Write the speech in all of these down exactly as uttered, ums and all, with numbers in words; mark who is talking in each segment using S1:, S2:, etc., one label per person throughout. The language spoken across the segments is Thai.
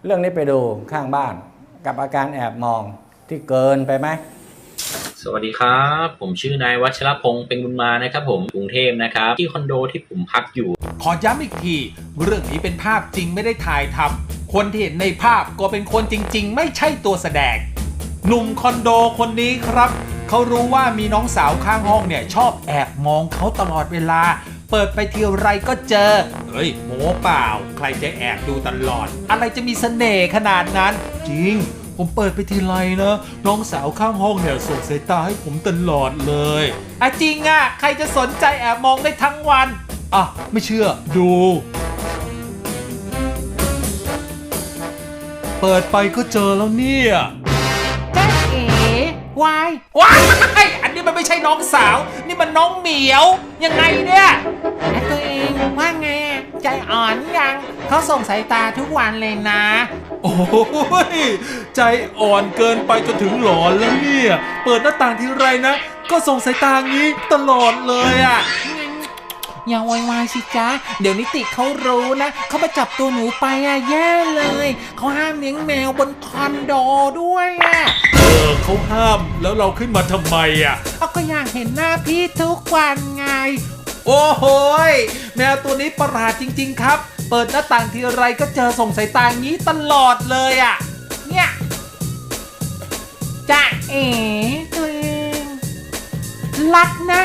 S1: เรื่องนี้ไปดูข้างบ้านกับอาการแอบมองที่เกินไปไหม
S2: สวัสดีครับผมชื่อนายวัชรพงษ์เป็นบุญมานะครับผมกรุงเทพนะครับที่คอนโดที่ผมพักอยู่
S3: ขอย้ำอีกทีเรื่องนี้เป็นภาพจริงไม่ได้ถ่ายทำคนที่เห็นในภาพก็เป็นคนจริงๆไม่ใช่ตัวแสดงหนุ่มคอนโดคนนี้ครับเขารู้ว่ามีน้องสาวข้างห้องเนี่ยชอบแอบมองเขาตลอดเวลาเปิดไปทีไรก็เจอเฮ้ยโม้เปล่าใครจะแอบดูตลอดอะไรจะมีเสน่ห์ขนาดนั้นจริงผมเปิดไปทีไรนะน้องสาวข้างห้องเนี่ยส่งสายตาให้ผมตลอดเลยอ่ะจริงอ่ะใครจะสนใจแอบมองได้ทั้งวันอ่ะไม่เชื่อดูเปิดไปก็เจอแล้วเนี่ย
S4: จ๊ะเอ๋วายว
S3: ายอันนี้มันไม่ใช่น้องสาวนี่มันน้องเหมียวยังไงเนี่ย
S4: ตัวเองว่าไงใจอ่อนยังเขาส่งสายตาทุกวันเลยนะ
S3: โอ้ยใจอ่อนเกินไปจนถึงหลอนแล้วเนี่ยเปิดหน้าต่างทีไรนะก็ส่งสายตางี้ตลอดเลยอ่ะ
S4: อย่าโวยวายสิจ๊ะเดี๋ยวนิติเขารู้นะเขามาจับตัวหนูไปอ่ะแย่เลยเขาห้ามเลี้ยงแมวบนคอนโดด้วยอ่ะ
S3: เออเขาห้ามแล้วเราขึ้นมาทำไมอ่ะ
S4: เอาก็อยากเห็นหน้าพี่ทุกวันไง
S3: โอ้โหแมวตัวนี้ประหลาดจริงๆครับเปิดหน้าต่างทีไรก็เจอส่งสายตางี้ตลอดเลยอ่ะ
S4: เนี่ยจ๊ะเอ๋ตัวเองรักนะ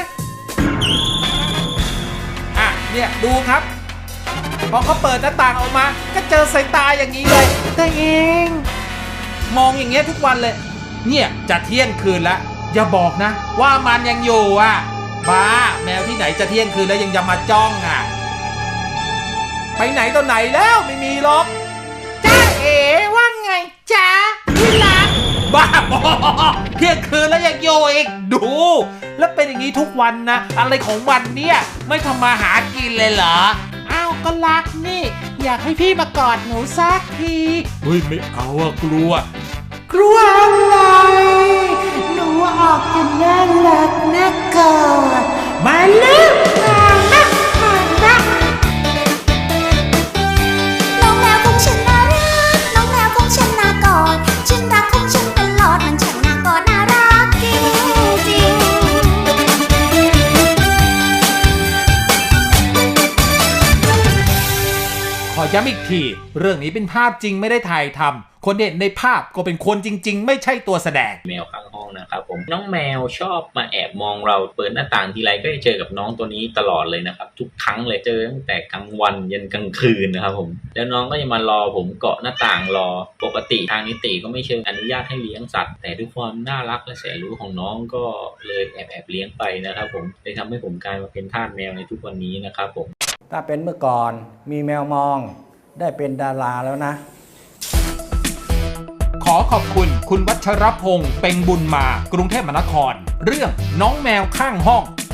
S3: อ่ะเนี่ยดูครับพอเขาเปิดหน้าต่างออกมาก็เจอสายตาอย่างนี้เลย
S4: ตัวเอง
S3: มองอย่างเงี้ยทุกวันเลยเนี่ยจะเที่ยงคืนแล้วอย่าบอกนะว่ามันยังอยู่อ่ะบ้าแมวที่ไหนจะเที่ยงคืนแล้วยังจะมาจ้องอ่ะไปไหนตอนไหนแล้วไม่มีหรอก
S4: จ้าเอ๋ว่าไงจ๊ะที่รัก
S3: บ้าบอเที่ยงคืนแล้วยังอยู่อีกดูแล้วเป็นอย่างนี้ทุกวันนะอะไรของวันเนี่ยไม่ทำมาหากินเลยเหรอ
S4: อ้าวก็รักนี่อยากให้พี่มากอดหนูสักที
S3: เฮ้ยไม่เอาอะกลัว
S4: กลัวอะไรหนูออกจะน่ารักน่ากอดมาเลิกมานะมานะ
S5: น้องแมวของฉันน่ารักน้องแมวของฉันน่ากอดฉันรักของฉันตลอดมันช่างน่ากอดน่ารักจริงจริง
S3: ขอย้ำอีกทีเรื่องนี้เป็นภาพจริงไม่ได้ถ่ายทำคนเห็นในภาพก็เป็นคนจริงๆไม่ใช่ตัวแสดง
S2: แมวข้างห้องนะครับผมน้องแมวชอบมาแอบมองเราเปิดหน้าต่างทีไรก็จะเจอกับน้องตัวนี้ตลอดเลยนะครับทุกครั้งเลยเจอตั้งแต่กลางวันยันกลางคืนนะครับผมแล้วน้องก็จะมารอผมเกาะหน้าต่างรอปกติทางนิติก็ไม่เชิงอนุญาตให้เลี้ยงสัตว์แต่ด้วยความน่ารักและแสนรู้ของน้องก็เลยแอบแอบเลี้ยงไปนะครับผมเลยทำให้ผมกลายมาเป็นทาสแมวในทุกวันนี้นะครับผม
S1: ถ้าเป็นเมื่อก่อนมีแมวมองได้เป็นดาราแล้วนะ
S3: ขอขอบคุณคุณวัชรพงษ์เป็งบุญมากรุงเทพมหานครเรื่องน้องแมวข้างห้อง